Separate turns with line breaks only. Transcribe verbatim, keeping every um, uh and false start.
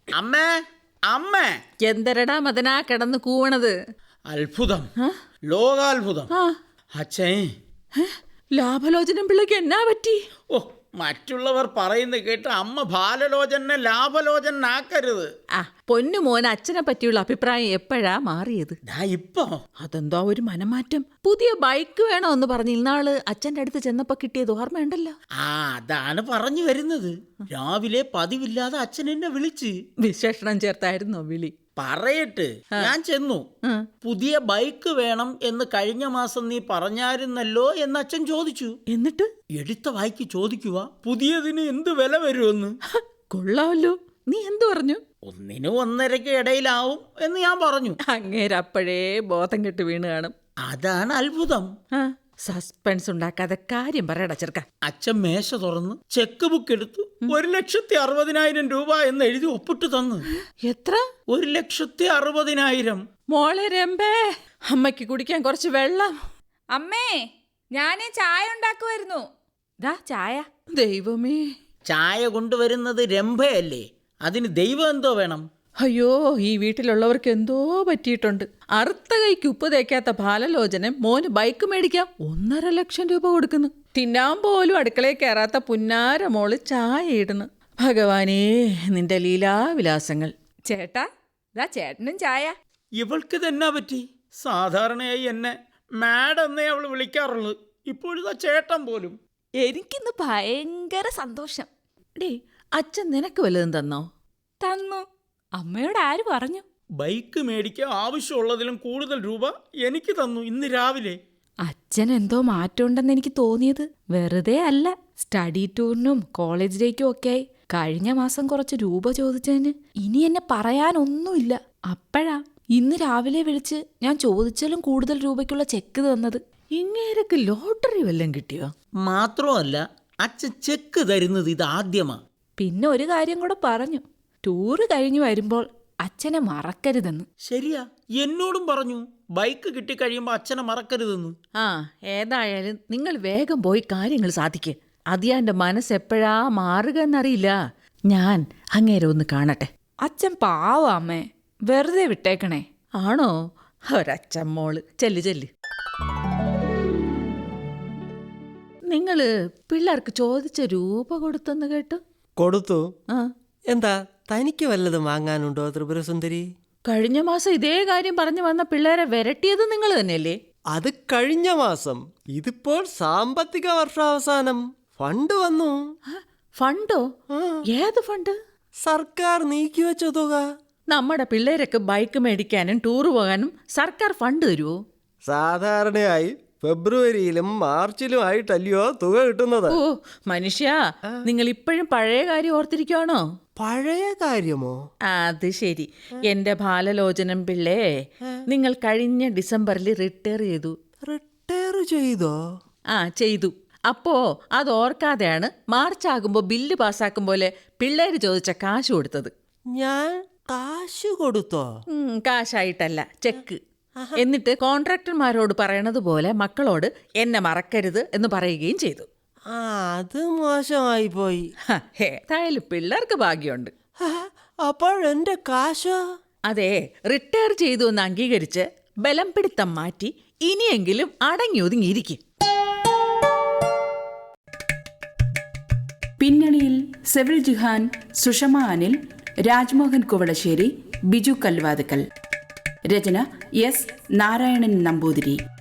അമ്മേ അമ്മേ
എന്തരടാ മദനാ കിടന്ന് കൂവണത്?
അത്ഭുതം, ലോകാത്ഭുതം. അച്ഛേ,
ലാഭലോചനം പിള്ളക്ക് എന്നാ പറ്റി?
ഓ, മറ്റുള്ളവർ പറയുന്നത് കേട്ട് അമ്മ ബാലലോചനെ ലാഭലോചനാക്കരുത്.
ആ പൊന്നു മോൻ അച്ഛനെ പറ്റിയുള്ള അഭിപ്രായം എപ്പോഴാ മാറിയത്?
ഇപ്പൊ
അതെന്തോ ഒരു മനമാറ്റം. പുതിയ ബൈക്ക് വേണോ എന്ന് പറഞ്ഞ് ഇന്നാള് അച്ഛൻ്റെ അടുത്ത് ചെന്നപ്പോ കിട്ടിയത് ഓർമ്മയുണ്ടല്ലോ.
ആ അതാണ് പറഞ്ഞു വരുന്നത്. രാവിലെ പതിവില്ലാതെ അച്ഛൻ എന്നെ വിളിച്ച്
വിശേഷണം ചേർത്തായിരുന്നോ വിളി?
പറയട്ട്, ഞാൻ ചെന്നു. പുതിയ ബൈക്ക് വേണം എന്ന് കഴിഞ്ഞ മാസം നീ പറഞ്ഞായിരുന്നല്ലോ എന്ന് അച്ഛൻ ചോദിച്ചു.
എന്നിട്ട്
എടുത്ത വായിക്ക് ചോദിക്കുക, പുതിയതിന് എന്ത് വില വരുമെന്ന്.
കൊള്ളാമല്ലോ. നീ എന്തു പറഞ്ഞു?
ഒന്നിനും ഒന്നരക്ക് ഇടയിലാവും എന്ന് ഞാൻ പറഞ്ഞു.
അങ്ങേരപ്പോഴേ ബോധം കെട്ട് വീണ് കാണും.
അതാണ് അത്ഭുതം.
സസ്പെൻസ് ഉണ്ടാക്കാതെ കാര്യം പറയടാ ചെറുക്ക.
അച്ഛൻ മേശ തുറന്ന് ചെക്ക് ബുക്ക് എടുത്തു ഒരു ലക്ഷത്തി അറുപതിനായിരം രൂപ എന്ന് എഴുതി ഒപ്പിട്ട് തന്നു.
എത്ര?
ഒരു ലക്ഷത്തി അറുപതിനായിരം.
മോളെ രമ്പേ, അമ്മയ്ക്ക് കുടിക്കാൻ കുറച്ച് വെള്ളം.
അമ്മേ, ഞാനേ ചായ ഉണ്ടാക്കുമായിരുന്നു.
ദാ ചായ. ദൈവമേ,
ചായ കൊണ്ടുവരുന്നത് രംഭയല്ലേ, അതിന് ദൈവം എന്തോ വേണം?
അയ്യോ, ഈ വീട്ടിലുള്ളവർക്ക് എന്തോ പറ്റിയിട്ടുണ്ട്. അറുത്ത കൈക്ക് ഉപ്പ് തേക്കാത്ത ബാലലോചനം മോന് ബൈക്ക് മേടിക്കാം ഒന്നര ലക്ഷം രൂപ കൊടുക്കുന്നു. തിന്നാൻ പോലും അടുക്കളയിൽ കയറാത്ത പുന്നാര മോള് ചായ ഇടുന്നു. ഭഗവാനേ, നിന്റെ ലീലാവിലാസങ്ങൾ.
ചേട്ടാ, ദാ ചേട്ടനും ചായ.
ഇവൾക്ക് തന്നെ പറ്റി. സാധാരണയായി എന്നെ മാഡം എന്നേ അവൾ വിളിക്കാറുള്ളൂ. ഇപ്പോഴത്തെ ചേട്ടൻ പോലും.
എനിക്കിന്ന് ഭയങ്കര സന്തോഷം.
ഡേ, അച്ഛൻ നിനക്ക് വല്ലതും തന്നോ?
തന്നു. അമ്മയോട് ആര് പറഞ്ഞു?
ബൈക്ക് മേടിക്കാൻ ആവശ്യമുള്ളതിലും കൂടുതൽ രൂപ എനിക്ക് തന്നു ഇന്ന് രാവിലെ.
അച്ഛൻ എന്തോ മാറ്റമുണ്ടെന്ന് എനിക്ക് തോന്നിയത് വെറുതെ അല്ല. സ്റ്റഡി ടൂറിനും കോളേജിലേക്കും ഒക്കെ കഴിഞ്ഞ മാസം കുറച്ച് രൂപ ചോദിച്ചതിന് ഇനി എന്നെ പറയാനൊന്നുമില്ല. അപ്പോഴാ ഇന്ന് രാവിലെ വിളിച്ച് ഞാൻ ചോദിച്ചാലും കൂടുതൽ രൂപയ്ക്കുള്ള ചെക്ക് തന്നത്.
ഇങ്ങേരക്ക് ലോട്ടറി വല്ലതും കിട്ടിയോ?
മാത്രമല്ല, അച്ഛൻ ചെക്ക് തരുന്നത് ഇത് ആദ്യമാ.
പിന്നെ ഒരു കാര്യം കൂടെ പറഞ്ഞു, ടൂറ് കഴിഞ്ഞു വരുമ്പോൾ അച്ഛനെ മറക്കരുതെന്ന്.
ശരിയാ, എന്നോടും പറഞ്ഞു ബൈക്ക് കിട്ടിക്കഴിയുമ്പോൾ അച്ഛനെ മറക്കരുതെന്ന്.
ആ, ഏതായാലും നിങ്ങൾ വേഗം പോയി കാര്യങ്ങൾ സാധിക്ക്. അതിയാൻ്റെ മനസ്സെപ്പോഴാ മാറുക എന്നറിയില്ല. ഞാൻ അങ്ങേരെ ഒന്ന് കാണട്ടെ.
അച്ഛൻ പാവ അമ്മേ, വെറുതെ വിട്ടേക്കണേ.
ആണോ? ഒരച്ഛൻ മോള്. ചെല്ല് ചെല്ല്. നിങ്ങള് പിള്ളേർക്ക് ചോദിച്ച രൂപ കൊടുത്തെന്ന് കേട്ടു.
കൊടുത്തു.
ആ,
എന്താ, തനിക്ക് വല്ലതും വാങ്ങാനുണ്ടോ ത്രിപുരസുന്ദരി?
കഴിഞ്ഞ മാസം ഇതേ കാര്യം പറഞ്ഞു വന്ന പിള്ളേരെ വിരട്ടിയത് നിങ്ങൾ തന്നെയല്ലേ?
അത് കഴിഞ്ഞ മാസം. ഇതിപ്പോൾ സാമ്പത്തിക വർഷാവസാനം. ഫണ്ട് വന്നു.
ഫണ്ടോ? ഏത് ഫണ്ട്?
സർക്കാർ നീക്കിവെച്ച തുക.
നമ്മുടെ പിള്ളേരൊക്കെ ബൈക്ക് മേടിക്കാനും ടൂറ് പോകാനും സർക്കാർ ഫണ്ട് തരുമോ?
സാധാരണയായി ഫെബ്രുവരിയിലും മാർച്ചിലും ആയിട്ടല്ലയോ തുക കിട്ടുന്നത്.
ഓ മനുഷ്യ, നിങ്ങൾ ഇപ്പോഴും പഴയ കാര്യം ഓർത്തിരിക്കുവാണോ?
പഴയ കാര്യമോ?
അത് ശരി. എന്റെ ബാലലോചനം പിള്ളേ, നിങ്ങൾ കഴിഞ്ഞ ഡിസംബറിൽ റിട്ടയർ ചെയ്തു.
റിട്ടയർ ചെയ്തോ?
ആ, ചെയ്തു. അപ്പോ അത് ഓർക്കാതെയാണ് മാർച്ച് ആകുമ്പോൾ ബില്ല് പാസ്സാക്കും പോലെ പിള്ളേര് ചോദിച്ച കാശ് കൊടുത്തത്.
ഞാൻ കാശ് കൊടുത്തോ?
കാശായിട്ടല്ല, ചെക്ക്. എന്നിട്ട് കോൺട്രാക്ടർമാരോട് പറയണത് പോലെ മക്കളോട് എന്നെ മറക്കരുത് എന്ന് പറയുകയും ചെയ്തു.
ആ, അത് മോശമായി പോയി.
ഏതായാലും പിള്ളേർക്ക് ഭാഗ്യമുണ്ട്.
അപ്പോഴെന്റെ കാശോ?
അതെ, റിട്ടയർ ചെയ്തു എന്ന് അംഗീകരിച്ച് ബലം പിടുത്തം മാറ്റി ഇനിയെങ്കിലും അടങ്ങി ഒതുങ്ങിയിരിക്കും.
പിന്നണിയിൽ സെവിൽ ജിഹാൻ, സുഷമ അനിൽ, രാജ്മോഹൻ കുവളശ്ശേരി, ബിജു കല്വാതുക്കൽ. രചന എസ് നാരായണൻ നമ്പൂതിരി.